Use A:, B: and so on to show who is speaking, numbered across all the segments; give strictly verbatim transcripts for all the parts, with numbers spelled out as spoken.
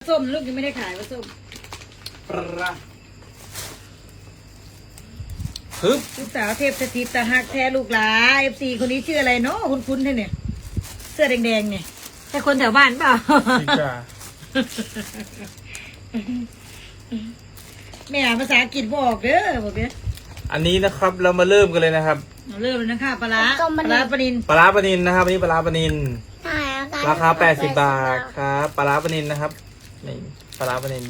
A: ส้มลูกยังไม่ได้ขายปลาส้ม
B: ปลาฮึบ
A: ลูกสาวเทพสถิตตะหักแท้ลูกหลาเอฟซีคนนี้ชื่ออะไรเนาะคุ้นๆเนี่ยเสื้อแดงๆเนี่ยใช่คนแถวบ้านเปล่าแม่อ่านภาษาอังกฤษบอกเด้อบอกเด้อ
B: อันนี้นะครับเรามาเริ่มกันเลยนะครับ
A: เริ่มเลยนะคะปลาปลาปลานิน
B: ปลาปลานินนะครับอันนี้ปลาปลานินราคาแปดสิบบาทครับปลาปลานินนะครับนี่ปลาปลานิน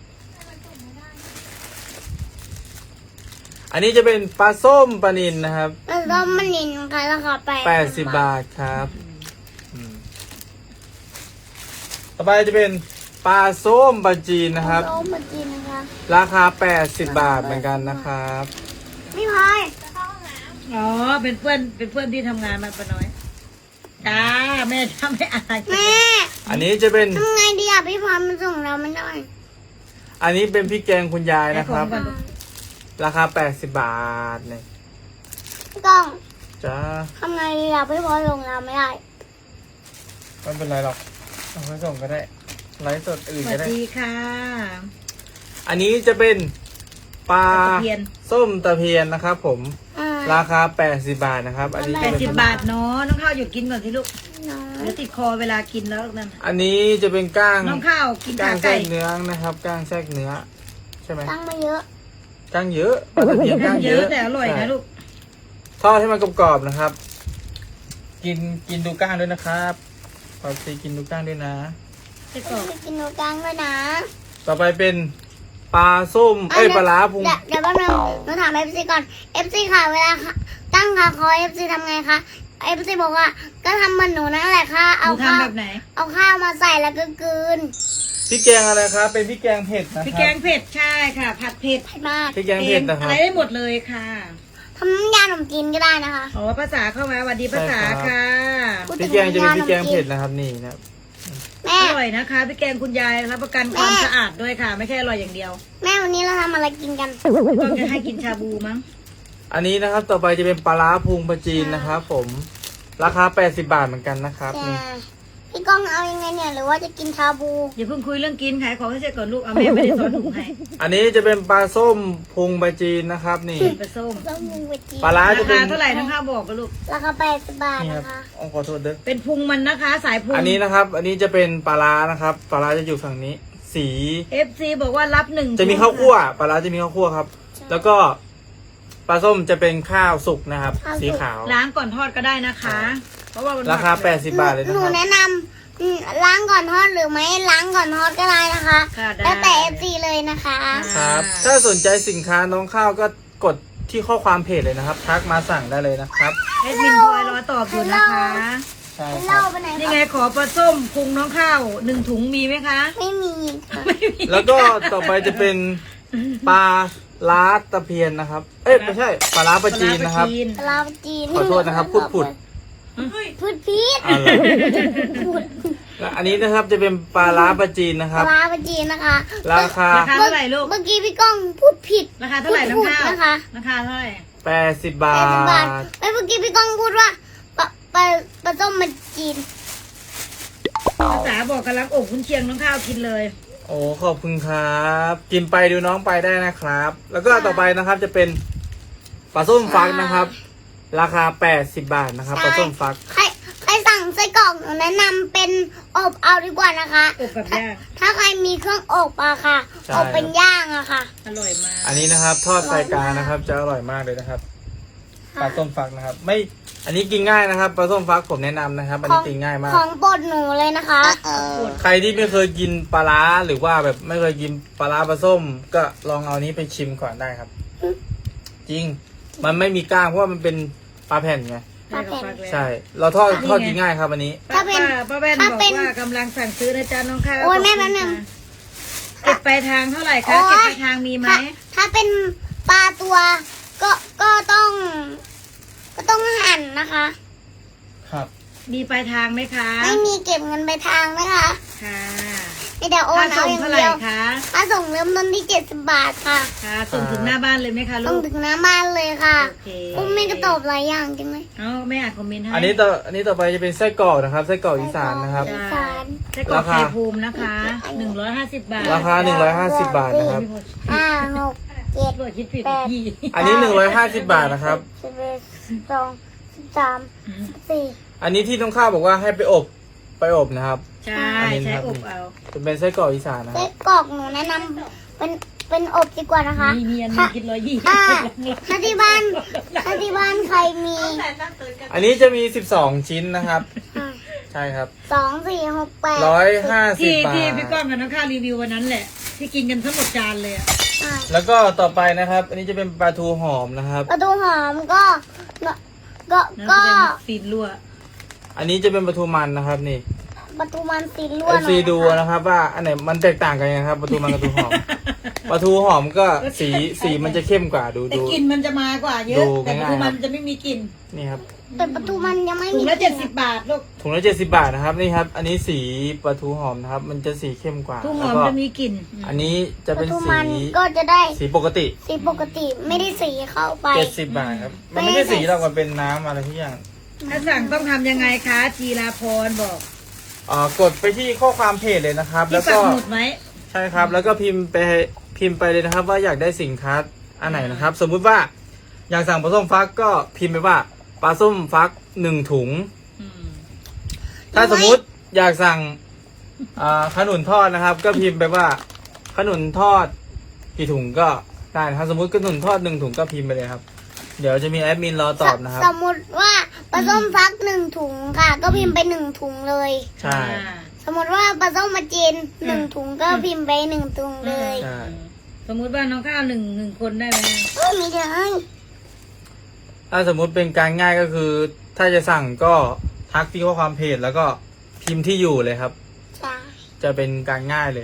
B: อันนี้จะเป็นปลาส้มปลานินนะครับ
C: ปลาส้มปลานินค่ะราคา
B: แปดสิบบาทครับต่อไปจะเป็นปลาส้มปลาจีนนะครับ
C: ส้มปลาจีนนะคะ
B: ราคาแปดสิบบาทเหมือนกันนะครับ
C: พี่พลอย
A: อ๋อเป็นเพื่อนเป็นเพื่อนที่ทำงานมาปะน้อยจ้าแม่ทำไม่อาย
C: แม่
B: อันนี้จะเป็น
C: ทำไงดีอ่ะพี่พลอยมันส่งเราไม่ได้
B: อันนี้เป็นพริกแกงคุณยายนะครับราคาแปดสิบบาทเนี่ย
C: กล้อง
B: จ้า
C: ทำไงดีอ่ะพี่พลอยส่งเราไม่ได้
B: ไม่เป็นไรหรอกเอาไปส่งก็ได้ไลฟ์สดอื่นก็ได้
A: สวัสดีค่ะ
B: อันนี้จะเป็นปลาส้มตะเพียนนะครับผมราคาแปดสิบบาทนะครับอันนี้
A: แปดสิบบาทเนาะน้องข้าวหยุดกินก่อนสิลูกเดี๋ยวติดคอเวลากินแล้วนั่น
B: อันนี้จะเป็นก้าง
A: น้องข้าวกิน
B: ก้างแทรกเนื้อนะครับก้างแทรกเนื้อใช่ไหม
C: ก้างมาเยอะ
B: ก้างเยอะปลาตะเพียนก้างเยอะ
A: แต่อร่อยนะลูก
B: ทอดให้มันกรอบๆนะครับกินกินดูก้างด้วยนะครับปาซีกินดูก้างด้วยนะ
C: กินดูก้างด้วยนะ
B: ต่อไปเป็นปลาส้มเอ้ยปลาล้าพุง
C: เดี๋ยวแป๊บนึงหนูถามเอฟซีก่อนเอฟซีค่ะเวลาตั้งค่ะคอเอฟซีทำไงคะเอฟซีบอกว่าก็ทำเหมือนหนูนั่นแหละค่ะเอาข้าวเอาข้าวมาใส่แล้วก็กลืน
B: พริกแกงอะไรครับเป็นพริกแกงเผ็ดนะครับ
A: พริกแกงเผ็ดใช่ค่ะผัดเผ็ด
C: มาก
B: พริกแกงเผ็ดนะครับ
A: อะไรได้หมดเลยค่ะ
C: ทำน้ำยาขนมจีนก็ได้นะคะ
A: อ๋อภาษาเข้ามาสวัสดีภาษาค่ะ
B: พริกแกงจะเป็นพริกแกงเผ็ดนะครับนี่นะครับ
A: อร่อยนะคะพี่แกงคุณยายรับประกันความสะอาดด้วยค่ะไม่ใช่อร่อยอย่างเดียว
C: แม่วันนี้เราทำอะไรกินกัน
A: ก็จะให้กินชาบูมั้ง
B: อันนี้นะครับต่อไปจะเป็นปลาล้าพุงปลาจีนนะครับผมราคาแปดสิบบาทเหมือนกันนะครับนี่
C: พี่ก้องเอายังไงเนี่ยหรือว่าจะกินชาบู
A: อย่าเพิ่งคุยเรื่องกินขายของให้เสร็จก่อนลูกเอาแม่ไม่ได้สอนถุงให้
B: อันนี้จะเป็นปลาส้มพุงปลาจีนนะครับนี่
A: ปลาส้ม
B: ปลาล้าจะเป็น
A: ราคาเท่าไหร่น้องข้าวบอกกันลูก
C: ราคาแปดสิบบาทนะคะ
B: ขอโทษเด้อ
A: เป็นพุงมันนะคะสายพุง
B: อันนี้นะครับอันนี้จะเป็นปลาล้านะครับปลาล้าจะอยู่ฝั่งนี้สี
A: เอฟ ซี บอกว่ารับหนึ่ง
B: จะมีข้าวคั่วปลาล้าจะมีข้าวคั่วครับแล้วก็ปลาส้มจะเป็นข้าวสุกนะครับสีขาว
A: ล้างก่อนทอดก็ได้นะคะเพราะว่า
B: ราคาแปดสิบบาทเลยนะครับ
C: หนูแนะนำล้างก่อนทอดหรือไม่ล้างก่อนทอดก็ได้นะคะแล้วแต่เอฟซีเลยนะคะ
B: ครับถ้าสนใจสินค้าน้องข้าวก็กดที่ข้อความเพจเลยนะครับทักมาสั่งได้เลยนะครับ
A: เอ็ดมินพลอยรอตอบอยู่นะคะ
B: ใช่ครับ
A: นี่ไงขอปลาส้มพุงน้องข้าวหนึ่งถุงมีไหมคะ
C: ไม่มี
B: แล้วก็ต่อไปจะเป็นปลาล้าตะเพียนนะครับเอ้ยไม่ใช่ปลาล้าปลาจีนนะครับ
C: ปลาล้าปลาจีน
B: ขอโทษนะครับพุดพุด
C: พุดพีด
B: และอันนี้นะครับจะเป็นปลาล้าปลาจีนนะครับ
C: ปลาล้าปลาจีนนะคะ
B: ราคา
A: เท่าไหร่ลูก
C: เมื่อกี้พี่ก้องพูดผิด
A: ราคาเท่าไหร่น้องข้าวนะคะราคาเท่าไหร่
B: แปดสิบบาท
C: เมื่อกี้พี่ก้องพูดว่าปลาปลาปลาส้มมาจีน
A: ภาษาบอกกำลังอกคุณเชียงน้องข้าวกินเลย
B: โอ้ขอบคุณครับกินไปดูน้องไปได้นะครับแล้วก็ต่อไปนะครับจะเป็นปลาส้มฟักนะครับราคาแปดสิบบาทนะครับปลาส้มฟัก
C: ใครใครสั่งไส้กรอกหนูแนะนำเป็นอบเอาดีกว่านะคะ
A: อบแบบย่าง
C: ถ้าใครมีเครื่องอบอะค่ะอบเป็นย่างอะค่ะ
A: อร่อยมาก
B: อันนี้นะครับทอดไฟกลางนะครับจะอร่อยมากเลยนะครับปลาส้มฟักนะครับไม่อันนี้กินง่ายนะครับปลาส้มฟักผมแนะนำนะครับอันนี้กินง่ายมาก
C: ของโปรดหนูเลยนะคะ
B: ใครที่ไม่เคยกินปลาร้าหรือว่าแบบไม่เคยกินปลาร้าปลาส้มก็ลองเอานี้ไปชิมก่อนได้ครับจริงมันไม่มีก้างเพราะว่ามันเป็นปลาแผ่นไงใช่เราทอดทอดกินง่ายครับอันนี้
A: ป้าเป็นป้าแว่นบอกว่ากำลังสั่งซื้อนะจ๊ะน้องข้าว
C: โอ้ยแม่แป๊บนึง
A: เก็บปลายทางเท่าไหร่คะเก็บปลายทางมีไหม
C: ถ้าเป็นปลาตัวก็ก็ต้องก็ต้องหั่นนะคะ
B: ครับ
A: มีปลายทางไหมคะ
C: ไม่มีเก็บเงินปลายทางนะคะ
A: ค่ะ
C: มีแต่โอน
A: ค่า
C: เอา
A: ส่ง
C: อย่าง
A: เท่าไหร่
C: เดียว
A: คะ
C: ค่าส่งเริ่มต้นที่เจ็ดสิบบาทค่ะ
A: ค่ะส่งถึงหน้าบ้านเลยไหมคะ
C: ต้
A: ลู
C: อง
A: ก
C: ถึงหน้าบ้านเลยค่ะ
A: โอเค
C: พวกแม่ก็ตอบหลายอย่างจังเลย
A: เอ้าไม่อ่านคอมเมนต์ให้
B: อันนี้ต่ออันนี้ต่อไปจะเป็นไส้กรอกนะครับไส้กรอกอีสานนะครับ
C: อีสาน
A: ไส้กรอก
B: ราคา
A: ไข่ภูมินะคะหนึ่งร้อยห้าสิบบาท
B: ราคาหนึ่งร้อยห้าสิบบาทนะครับ
C: ห้าหกเจ็ด
A: เปิดคิดผิด
C: แปด
A: พี่
B: อันนี้หนึ่งร้อยห้าสิบบาทนะครับ
C: สิบเอ็ดสิบสองสิบสามสิบสี่
B: อันนี้ที่ต้องข้าวบอกว่าให้ไปอบไปอบนะครับ
A: ใช่ใช้อบเอา
B: จะเป็นไส้กรอกอีสานนะค
C: ไส้
B: รับ
C: กรอกหนูแนะนำเป็นเป็นอบดีกว่านะคะ
A: มีมีอันหนึงคิดร้อยยี่สิบ
C: ถ้าถ้าที่บ้านถ้าที่บ้านใครมี
B: อันนี้จะมีสิบสองชิ้นนะครับ
C: อ่ะ
B: ใช่ครับ
C: สองสี่หกแปด
B: ร้อยห้าสิบ
A: ที่
B: บาท
A: ที่พี่ก้องกับน้องข้าวรีวิววันนั้นแหละ ที่กินกันทั้งหมดจานเลยอะ
C: อ่ะ
B: แล้วก็ต่อไปนะครับ อันนี้จะเป็นปลาทูหอมนะครับ
C: ประตูหอมก็ก็
A: นะ
C: ก็
A: จะเป็นฟีดรั่ว
B: อันนี้จะเป็นปลาทูมันนะครับนี่
C: ประตูมันสีล้วน
B: เอฟซีดูนะครับว่าอันไหนมันแตกต่างกันยังไงครับปลาทูมันกับปลาทูหอม ปลาทูหอมก็สีสีมันจะเข้มกว่าดู
A: แต่
B: ดู
A: กลิ่นมันจะมากว่าเย
B: ดู
A: อะ แต่
B: ง่ายๆ
A: คือมัน
B: ครับ
A: จะไม่มีกลิ่น
B: นี่ครับ
C: แต่ประตูมันยังไม่
A: ถุ
C: มี
A: งละเจ็ดสิบบาทลูก
B: ถุงละเจ็ดสิบบาทนะครับนี่ครับ อันนี้สีปลาทูหอมนะครับ มันจะสีเข้มกว่า
A: ทุ่งห
B: แล้
A: อ
B: ว
A: ม
B: ก็
A: จะมีกลิ่น
B: อันนี้จะ
C: ป
B: เป็น
C: ระตู
B: สี
C: มันก็จะได้
B: สีปกติ
C: สีปกติไม่ได้สีเข้าไป
B: เจ็ดสิบบาทครับ มันไม่ใช่สีหรอกมันเป็นน้ำอะไรทุกอย่าง
A: ถ้าสั่งต้องทำยังไงคะจีราพรบอก
B: อ่ากดไปที่ข้อความเพจเลยนะครับ
A: ที่
B: แล้ว
A: ปั
B: ก็
A: กหมุดไหม
B: ใช่ครับ แล้วก็พิมพ์ไปพิมพ์ไปเลยนะครับ ว่าอยากได้สินค้าอันไหนนะครับ สมมุติว่าอยากสั่งปลาส้มฟักก็พิมพ์ไปว่าปลาส้มฟักหนึ่งถุง
A: อืม
B: ถ้าสมมุติอยากสั่งอ่าขนุนทอดนะครับ ก็พิมพ์ไปว่าขนุนทอดกี่ถุงก็ได้นะครับสมมุติขนุนทอดหนึ่งถุงก็พิมพ์ไปเลยครับ เดี๋ยวจะมีแอดมินรอตอบนะครับ
C: สมมติว่าปลาส้มฟักหนึ่งถุงค่ะ ก็พิมพ์ไปหนึ่งถุงเลย
B: ใช่
A: อ่า
C: สมมติว่าปลาส้มมาจีนหนึ่งถุงก็พิมพ์ไปหนึ่งถุงเลย
B: ใช่
A: สมมุติว่าน้องข้าวหนึ่งหนึ่งคนได้ไหม
C: เออมีเดียวให้
B: ถ้าสมมุติเป็นการง่ายก็คือ ถ้าจะสั่งก็ทักที่ข้อความเพจแล้วก็พิมพ์ที่อยู่เลยครับ
C: ใช่
B: จะเป็นการง่ายเลย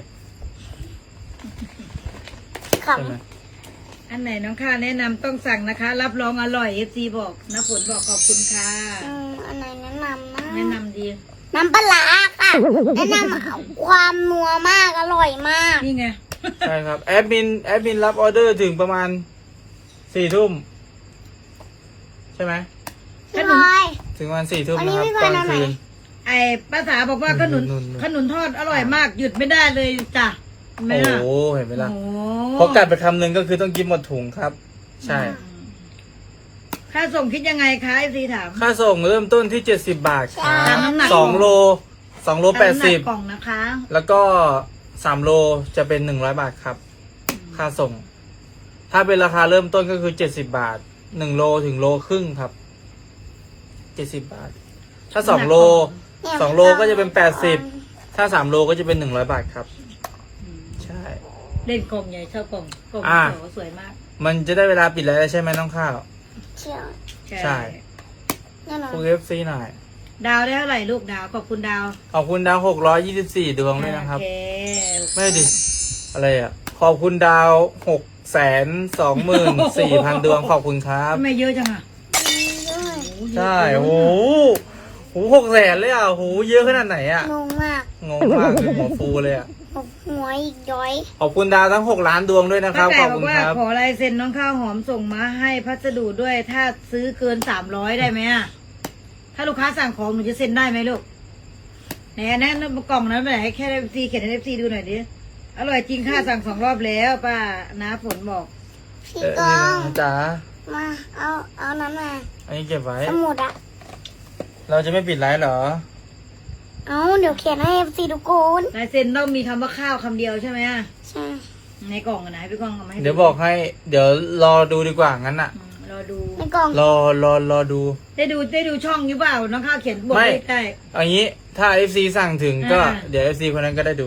C: ข
B: ใช่ไหม
A: อันไหนน้องข้าวแนะนำต้องสั่งนะคะ รับรองอร่อยเอฟซีบอกนะผลบอกขอบคุณค่ะ
C: ำอืมอันไหนแนะนำนะ
A: แนะนำดี
C: น้ำปลาร้าค่ะ แนะนำความนัวมากอร่อยมาก
A: นี่ไง
B: ใช่ครับแอดมินแอดมินรับออเดอร์ถึงประมาณสี่ทุ่มใช่ไหม
C: พี่พลอย
B: ถึงประมาณสี่ทุ่ม
C: อันนี้
B: นะครับ
C: พี่
B: ต
C: พล
B: อ
C: อย
B: น
C: เอาไหน
B: คืน
A: ไอ้ภาษาบอกว่าขนุน
B: นุ่นๆๆ
A: ขนุนทอดอร่อยมากหยุดไม่ได้เลยจ้ะเห็นไหม
B: โอ้
A: ล่ะ
B: โหเห็นไหมล่ะ
A: โอ้โห
B: พอกัดไปคำหนึ่งก็คือต้องกินหมดถุงครับ ใช่
A: ค่าส่งคิดยังไงคะเอฟซีถาม
B: ค่าส่งเริ่มต้นที่เจ็ดสิบบาทครั
A: ตาม
B: บ
A: น้ำหนัก
B: สองโลสองโลแปดสิบ
A: น้ำหนักกล่องนะคะ
B: แล้วก็สามโลจะเป็นหนึ่งร้อยบาทครับ ค่าส่ง ถ้าเป็นราคาเริ่มต้นก็คือเจ็ดสิบบาทหนึ่งโลถึงโลครึ่งครับเจ็ดสิบบาท ถ้าสองโล
C: เนี่ย
B: สองโลก็จะเป็นแปดสิบ ถ้าสามโลก็จะเป็นหนึ่งร้อยบาทครับ ใช่
A: เล่นกล่องใหญ่ชอบกล่องกล่อง
B: อ่า
A: โสวยมาก
B: มันจะได้เวลาปิดแล้วใช่ไหมน้องข้าว
C: เชี่ยว
B: ใช่
C: แน่นอน
B: พวกเอฟซีหน่อย
A: ดาวได้เท่าไหร่ลูกดาวขอบคุณดาว
B: ขอบคุณดาวหกร้อยยี่สิบสี่ดวงด้วยนะครับ
A: โอเค
B: ไม่ดิ อะไรอ่ะ ขอบคุณดาวหกแสนสองหมื่นสี่พันดวงขอบคุณครับ
A: ทำไมเยอะจังอ่ะ
C: ด้วย
B: ใช่โอ้โหโหหกแสนเลยอ่ะโหเยอะขนาดไหนอ่ะ
C: งงมาก
B: งงมากเลยหัวฟูเลยอ่ะ
C: หกหัวอีกย้อย
B: ขอบคุณดาวทั้งหกล้านดวงด้วยนะค
A: ป้า
B: รับ ข
A: ไก่
B: อบบ
A: อ
B: คุ
A: ก
B: ณ
A: ว่า
B: ครับ
A: ขอลายเซ็นน้องข้าวหอมส่งมาให้พัสดุด้วย ถ้าซื้อเกินสามร้อยได้ไหมอ่ะ ถ้าลูกค้าสั่งของหนูจะเซ็นได้ไหมลูกไหนอันนั้นกล่องนั้นไปไหนให้แค่เอฟซีเขียนให้เอฟซีดูหน่อยดิ อร่อยจริงค่ะสั่งสองรอบแล้วป้าน้าฝนบอก
C: พี่
B: เออ
C: ก้อง
B: นี่นะจ๋า
C: มาเอาเอานั้นมา
B: อันนี้เก็บไว้
C: สมุดอะ
B: เราจะไม่ปิดไลฟ์เหรอ
C: เอาเดี๋ยวเขียนให้เอฟซีดูกูน
A: ลายเซ็นต้องมีคำว่าข้าวคำเดียวใช่ไหมอ่ะ
C: ใช่
A: ในกล่องอะนะให้พี่กล่องเอามาให้
B: เดี๋ยวบอกให้ เดี๋ยวรอดูดีกว่างั้นอ่ะ
A: อืมรอดู
C: ในกล่อง
B: รอรอรอดู
A: ได้ดูได้ดูช่องอยู่เปล่าน้องข้าวเขียนบท
B: ไม่
A: เลขได้
B: เอันนี้ ถ้า เอฟ ซี สั่งถึงก็
A: อ่า
B: เดี๋ยว เอฟ ซี คนนั้นก็ได้ดู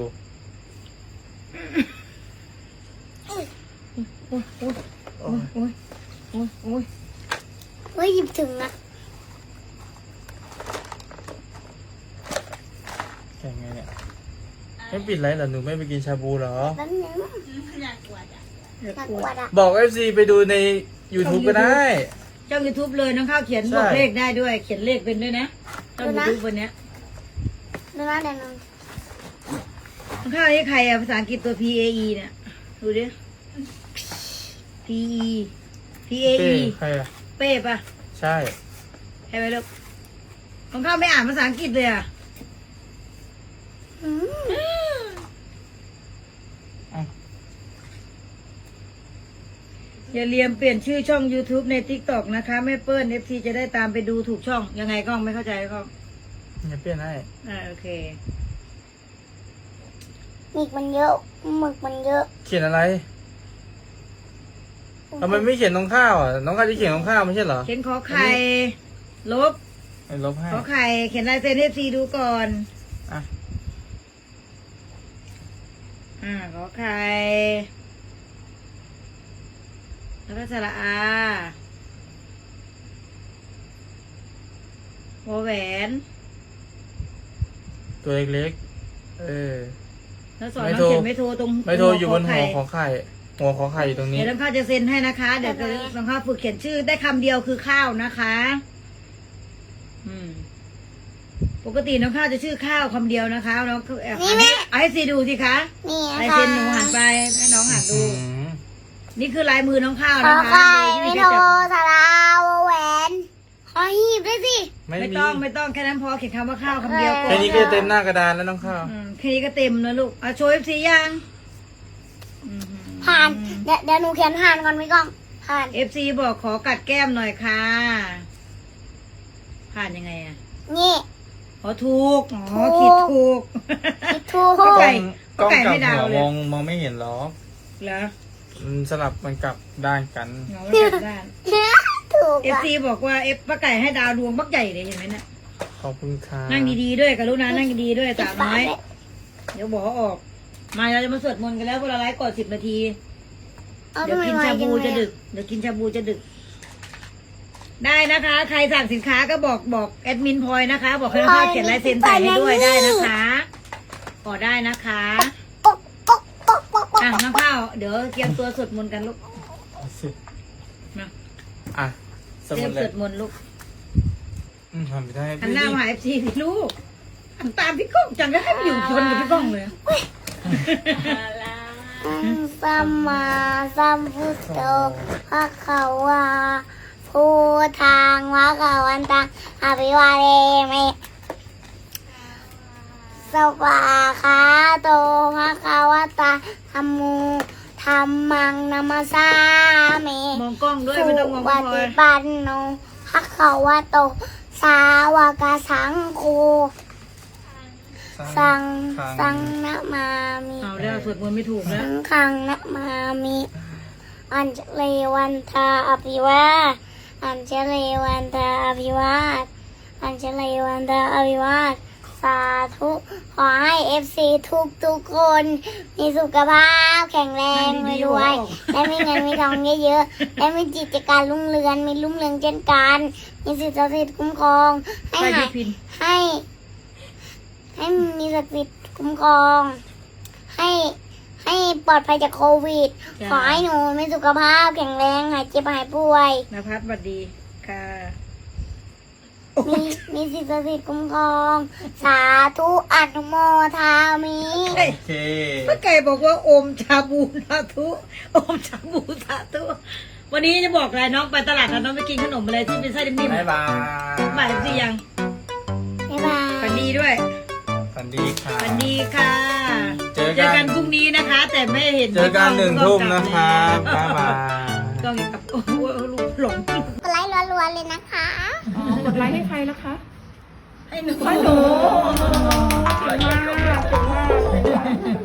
A: โอ้ยโอ้ยโอ้ยโอ้ยโอ้ยโอ้ยโอ้ย
C: เฮ้ยหยิบถึงนะ
B: แข่งไงเนี่ย ไม่ปิดไลฟ์เหรอ หนูไม่ไปกินชาบูเหรอ
C: แป๊บนึง
A: อยากกวดอ่ะ
C: น่ากลัวอะ
B: บอก เอฟ ซี ไปดูใน YouTube ก็ได้
A: ช่องยูทูบเลยน้องข้าวเขียน
B: ใช่
A: บอกเลขได้ด้วย เขียนเลขเป็นด้วยนะช่องยูทูบวันเนี้ย
C: ดูนะเดี๋ยวนึง
A: ทน้องข้าวนี่ใครอะภาษาอังกฤษตัว P A E เนี่ยดูดิ P E P A
B: เป้
A: E
B: ใครอ่ะ
A: เป้ปะ
B: ใช่
A: ใช่ไหมลูกน้องข้าวไม่อ่านภาษาอังกฤษเลยอะ
C: อืม
A: อย่าเลียมเปลี่ยนชื่อช่อง YouTube ใน TikTok นะคะแม่เปิ้ล เอฟ ซี จะได้ตามไปดูถูกช่องยังไงกล้องไม่เข้าใจกล้อง
B: อย่าเปลี่ยนให้
A: อ่าโอเค
C: หมึกมันเยอะหมึกมันเยอะ
B: เขียนอะไรทำไมไม่เขียนน้องข้าวอ่ะน้องข้าวจะเขียนน้องข้าวไม่ใช่เหรอ
A: เขียนขอไข่ ลบ
B: ไม่ลบให้
A: ขอไข่เขียนลายเซ็น เอฟ ซี ดูก่อน
B: อ่ะ
A: อ่าขอไข่แล้วก็สระอาวอแหวน
B: ตัวเล็กๆเออ
A: แล้วสอน
B: ไม่
A: น้อง
B: โทร
A: เขียนไม่โทรตรง
B: ไม่โทรอยู่บน
A: ข
B: หัว
A: ไข่
B: ของไข่หัวของไข่อยู่ตรงนี้
A: เดี๋ยวน้องข้าวจะเซ็นให้นะคะ เดี๋ยวจะน้องข้าวฝึกเขียนชื่อได้คำเดียวคือข้าวนะคะ อืม ปกติน้องข้าวจะชื่อข้าวคำเดียวนะคะน้องเอาให้เอาให้ซีดูสิคะ
C: นี่
A: ลาย
C: ค่ะ
A: เซ็นหนูหันไปให้น้องหันดู
B: อืม
A: นี่คือลายมือน้องข้าว
C: ขอ
A: นะคะ
C: ไข่
A: โดย
C: ไม่
A: ที่
C: โทร
A: จะ
C: สาราวแหวนขอหีบด้วยสิ
B: ไม่
A: ไม่
B: มี
A: ต้องไม่ต้องแค่นั้นพอเขียนคำว่าข้าวคำเดียวก่อ
B: แค่
A: น
B: นี้ก็เต็มหน้ากระดานแล้วน้องข้าว
A: อืมแค่นี้ก็เต็มแล้วลูกเอาโชว์เอฟซียังอืม
C: ผ่านเดี๋ยวเดี๋ยวหนูเขียนผ่านก่อนพี่ก้องผ่าน
A: เอฟซีบอกขอกัดแก้มหน่อยค่ะ ผ่านยังไงอ่ะ
C: นี่
A: อ๋อถูกอ๋อ
C: ถูก
A: ขีดถูก
C: คิดถูก
A: เข้าใจ
B: กล้อง
A: ไก่
B: กลับ
A: ไม่ดาว
B: หัว
A: เลย
B: มองมองไม่เห็นหรอก
A: เหรอ
B: มันสลับมันกลับด้านกัน
A: เหงาแล้วกลับด้าน
C: ถูก
A: เอฟ
C: อะ
A: ซีบอกว่าเอฟป้าไก่ให้ดาวดวงบักใหญ่เลยเห็นไหมเนี่ย
B: ขอบคุณค่ะ
A: นั่งดีๆด้วยกับลูกนะนั่งดีๆด้วยสาวน้อย
C: ปิดฝา
A: เดี๋ยวบอกออก มาเราจะมาสวดมนต์กันแล้วพวกเราไลฟ์ก่อนสิบนาที
C: เอา
A: เดี๋ยว
C: ทำไม
A: กิน
C: ไว
A: ชา
C: จั
A: บู
C: งเลย
A: จะดึก เดี๋ยวกินชาบูจะดึก ได้นะคะ ใครสั่งสินค้าก็บอกบอกแอดมินพลอยนะคะ บอกให้น้องข้าวเขียนลายเซ็นใส่ให้ด้วยได้นะคะขอได้นะคะ
C: ป๊อกป๊อกป๊อกป๊อกป๊อก
A: อ่ะน้องข้าวเดี๋ยวเตรียมตัวสวดมนต์กันลูก
B: สิ
A: มา
B: อ่ะส
A: เตรี
B: มุ
A: ยม
B: ดเล
A: ส
B: ยว
A: ดมนต์ลูก
B: อืมทำไม่ได้
A: หันหน้ามาหาเอฟซีพี่ลูกหันตามพี่ก้องจังก็ให้ไปอยู่ชนกับพี่ก้องเลย
C: สัมมาสัมพุทโธพระขาวาพูทางวะกาวันตังอภิวาเรมิสวาคาโตพระขาวตาธัมมูธรรมังนามาสามิ
A: มองกล้องด้วยไม่ต้องมอง
C: ป
A: พี่พลอ
C: ฏิ
A: ย
C: ปันโนภะคะวะโต สาวกสังโฆสังสังนะมามิ
A: เอาแล้วสวดมนต์ไม่ถูกแล้ว
C: สังขังนะมามิ อัญเชเลวันทาอภิวาทอัญเชเลวันทาอภิวาทอัญเชเลวันทาอภิวาทสาธุขอให้เอฟซีทุกทุกๆคน มีสุขภาพแข็งแรงรวยๆและมีเงินมีทองเยอะๆและมีจิตการรุ่งเรืองมีรุ่งเรืองเช่นกันมีสิทธิ์ศักดิ์สิทธิ์คุ้มครอง ให้
A: ไป
C: หา
A: พี่
C: ย
A: พิน
C: ให้ ให้มีศักดิ์สิทธิ์คุ้มครอง ให้ให้ปลอดภัยจากโควิด ขอให้หนูมีสุขภาพแข็งแรงหายเจ็บหายป่วย
A: นภัสสวัสดีค่ะ
C: มีมีสิทธิ์ศักดิ์สิทธิ์คุ้มครอง สาธุอนุโมทามิ
A: เฮ้ย
B: โอเค
A: ป้าไก่บอกว่าอมชาบูสาธุอมชาบูสาธุวันนี้จะบอกอะไรน้องไปตลาดนะน้องไปกินขนมอะไรที่เป็นไส้นิ่ม
B: บ๊ายบาย
A: ๆหมายสิยัง
C: บ๊ายบาย
A: ฝันดีด้วย
B: ฝันดีค่ะ
A: ฝันดีค่ะ
B: เจอกัน
A: กันพรุ่งนี้นะคะ แต่ไม่เห็น
B: เจอกันหนึ่งทุ่มนะครับบ๊ายบาย
A: กล้องอย่ากลับโอ้โหลูกหลง
C: กดไลค์รัวๆเลยนะคะ
D: อ๋อกดไลค์ให้ใครแล้วคะ
A: ให้หนู
D: ให้หนูเก่งมาก